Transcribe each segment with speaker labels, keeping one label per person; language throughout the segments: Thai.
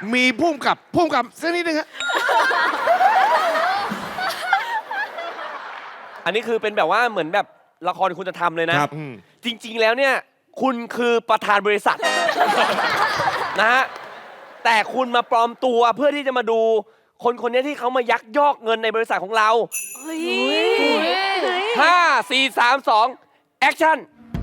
Speaker 1: มีพุ่มกับสักนิดนึงฮะ
Speaker 2: อันนี้คือเป็นแบบว่าเหมือนแบบละครคุณธรรมเลยนะ
Speaker 1: ครับ
Speaker 2: จริง ๆ แล้วเนี่ยคุณคือประธานบริษัท นะฮะแต่คุณมาปลอมตัวเพื่อที่จะมาดูคนคนนี้ที่เขามายักยอกเงินในบริษัทของเรา 5 4 3 2แอคชั่น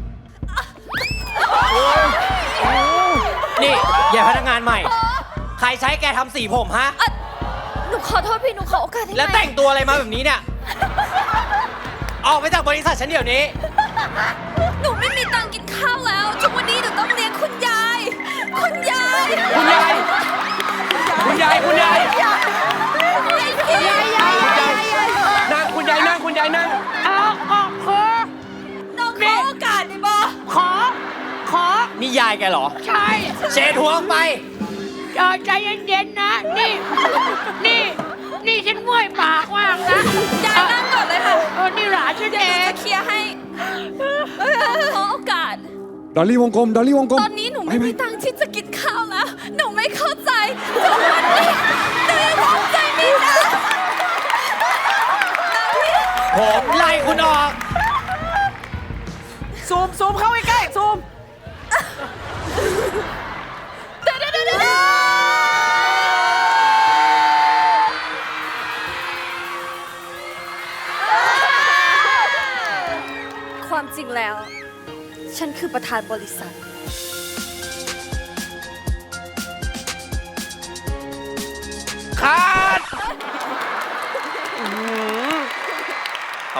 Speaker 3: นี่อย่าพนักงานใหม่ ใครใช้แกทำสีผมฮะ
Speaker 4: หนูขอโทษพี่ หนูขอโอกาสได้ไหม
Speaker 3: แล้วแต่งตัวอะไรมาแบบนี้เนี่ย ออกไปจากบริษัทฉันเดี๋ยวนี้
Speaker 4: หนูไม่มีตังค์กินข้าวแล้วทุกวันนี้หนูต้องเลี้ยงคุณยาย คุณยาย
Speaker 2: คุณยาย คุณยาย คุณยาย นั่งคุณยายนั่งคุณยายนั่ง
Speaker 4: น้องขอโอกาสได้ปะ
Speaker 5: ขอ
Speaker 3: นี่ยายแกเหรอ
Speaker 5: ใช่
Speaker 3: เช็ดหัวออกไป
Speaker 5: ใจเย็นๆนะ นี่ฉันเมื่อยปากมากนะ
Speaker 4: ยายนั่งก่อนเลยค่ะ
Speaker 5: นี่หลานฉัน
Speaker 4: เดี๋
Speaker 5: เอ
Speaker 4: ยวหนู
Speaker 5: ง
Speaker 4: จะเคลียร์ให้ขอโอกาส
Speaker 6: ดอลลี่วงกลม ดอลลี่วงกลม
Speaker 4: ตอนนี้หนูไม่มีตังค์ที่จะกินข้าวแล้ว หนูไม่เข้าใจทุกวันนี้หนูยังทำใจไม่ได้
Speaker 3: ผมไล่คุณออก
Speaker 5: ซูมเข้าใกล้ๆซูม
Speaker 4: ความจริงแล้ว ฉันคือประธานบริษัท
Speaker 2: ครับ